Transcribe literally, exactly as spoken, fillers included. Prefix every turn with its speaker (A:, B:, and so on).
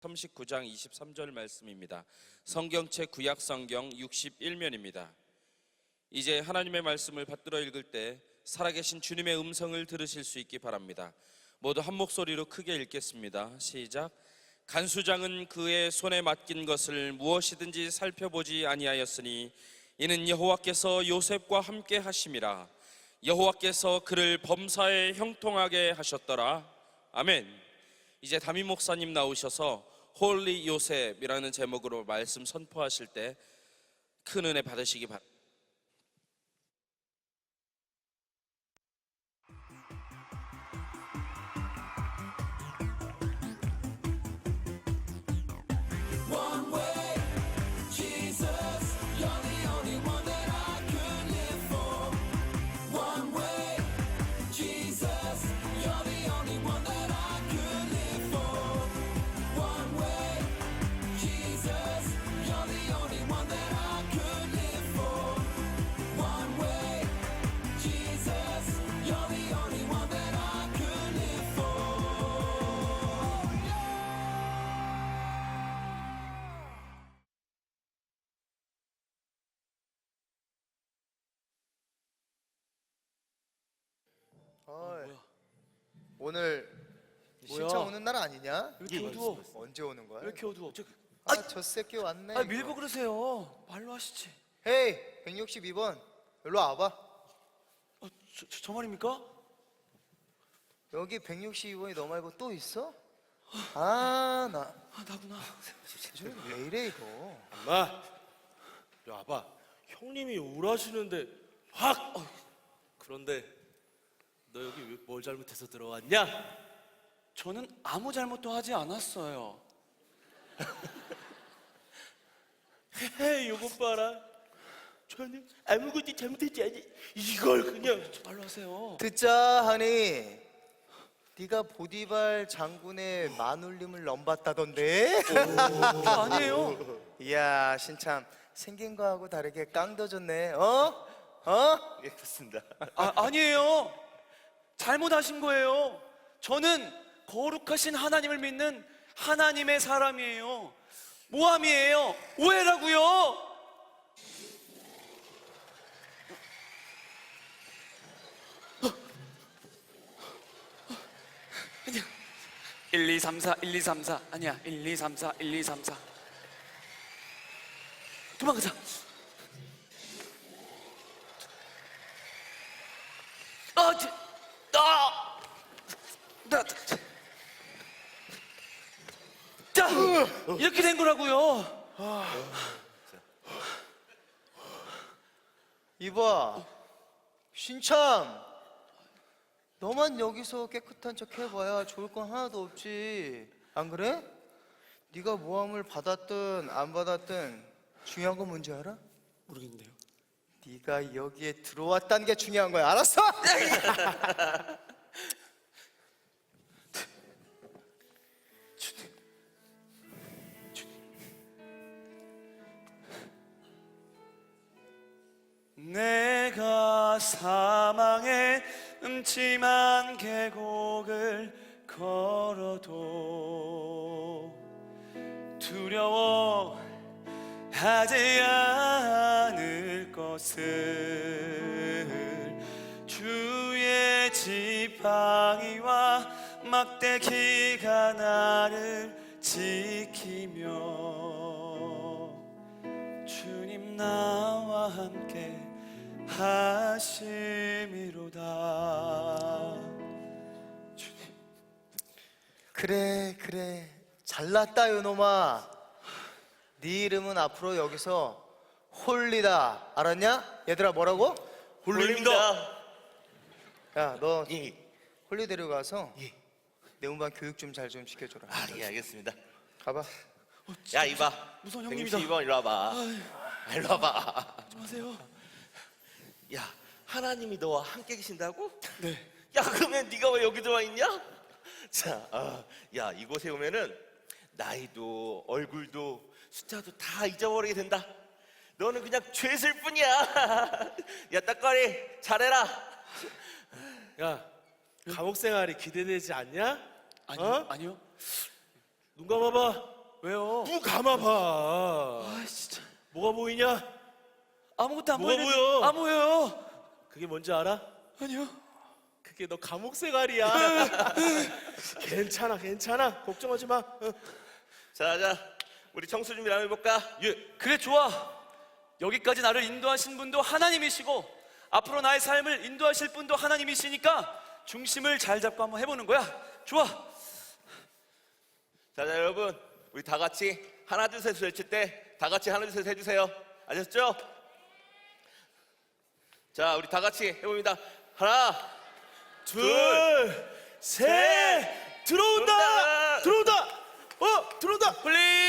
A: 삼십구 장 이십삼 절 말씀입니다. 성경책 구약성경 육십일 면입니다. 이제 하나님의 말씀을 받들어 읽을 때 살아계신 주님의 음성을 들으실 수 있기 바랍니다. 모두 한 목소리로 크게 읽겠습니다. 시작. 간수장은 그의 손에 맡긴 것을 무엇이든지 살펴보지 아니하였으니 이는 여호와께서 요셉과 함께 하심이라. 여호와께서 그를 범사에 형통하게 하셨더라. 아멘. 이제 담임 목사님 나오셔서 홀리 요셉이라는 제목으로 말씀 선포하실 때 큰 은혜 받으시기 바랍니다.
B: 어이, 오늘 신청 오는 날 아니냐?
C: 왜 이렇게 어두워?
B: 언제 오는 거야?
C: 왜 이렇게 어두워? 저,
B: 아, 저 새끼 왔네.
C: 아
B: 이거.
C: 밀고 그러세요. 말로 하시지.
B: 헤이, 백육십이 번 일로 와봐.
C: 어, 저, 저, 저 말입니까?
B: 여기 백육십이 번이 너 말고 또 있어? 아, 나
C: 아 나구나.
B: 요즘 왜 이래 이거?
D: 엄마, 이리 와봐. 형님이 우울하시는데 확. 어, 그런데 너 여기 왜 뭘 잘못해서 들어왔냐?
C: 저는 아무 잘못도 하지 않았어요.
D: 헤헤, 요것 봐라. 저는 아무것도 잘못했지 않니? 이걸 그냥.
C: 저 말로 하세요.
B: 듣자 하니 네가 보디발 장군의 마눌림을 넘봤다던데?
C: 저 아니에요.
B: 이야, 신참 생긴 거하고 다르게 깡더졌네. 어? 어?
D: 예, 그렇습니다.
C: 아 아니에요. 잘못하신 거예요. 저는 거룩하신 하나님을 믿는 하나님의 사람이에요. 모함이에요. 오해라고요. 아니야. 일, 이, 삼, 사, 일, 이, 삼, 사 아니야. 일, 이, 삼, 사, 일, 이, 삼, 사 도망가자. 아, 저, 아, 나, 자, 이렇게 된 거라고요.
B: 이봐, 신참, 너만 여기서 깨끗한 척 해봐야 좋을 건 하나도 없지. 안 그래? 네가 모함을 받았든 안 받았든 중요한 건 뭔지 알아?
D: 모르겠는데요.
B: 네가 여기에 들어왔다는 게 중요한 거야. 알았어?
C: 내가 사망의 음침한 계곡을 걸어도 두려워하지 않을 것을 주의 지팡이와 막대기가 나를 지키며 주님 나와 함께 하심이로다. 주님.
B: 그래, 그래. 잘났다, 요놈아. 네 이름은 앞으로 여기서 홀리다. 알았냐? 얘들아, 뭐라고?
D: 홀리입니다.
B: 야, 너
E: 예,
B: 홀리 데려가서
E: 예.
B: 내 운반 교육 좀 잘 좀 시켜줘라.
E: 아, 예, 알겠습니다.
B: 가봐.
E: 야, 이봐.
C: 무서운 형님이다.
E: 백육십이 번 일로 와봐. 일로 와봐.
C: 안녕하세요.
E: 야, 하나님이 너와 함께 계신다고?
C: 네.
E: 야, 그러면 네가 왜 여기 들어와 있냐? 자, 아, 야, 이곳에 오면은 나이도 얼굴도 숫자도 다 잊어버리게 된다. 너는 그냥 죄슬 뿐이야. 야, 딱거리 잘해라.
D: 야, 감옥 생활이 기대되지 않냐?
C: 아니요,
D: 어?
C: 아니요.
D: 눈 감아봐.
C: 왜요?
D: 눈 감아봐.
C: 아 진짜
D: 뭐가 보이냐?
C: 아무것도 안
D: 뭐가
C: 보이는데
D: 보여?
C: 안 보여요.
D: 그게 뭔지 알아?
C: 아니요.
D: 그게 너 감옥 생활이야. 괜찮아, 괜찮아. 걱정하지 마. 어.
E: 자, 자, 우리 청소 준비 한번 해볼까?
D: 예.
C: 그래 좋아. 여기까지 나를 인도하신 분도 하나님이시고 앞으로 나의 삶을 인도하실 분도 하나님이시니까 중심을 잘 잡고 한번 해보는 거야. 좋아.
E: 자, 자, 여러분, 우리 다 같이 하나, 둘, 셋 외칠 때 다 같이 하나, 둘, 셋 해주세요. 아셨죠? 자, 우리 다 같이 해봅니다. 하나,
D: 둘, 셋, 들어온다,
E: 들어온다.
D: 들어온다, 어, 들어온다.
C: 플리즈.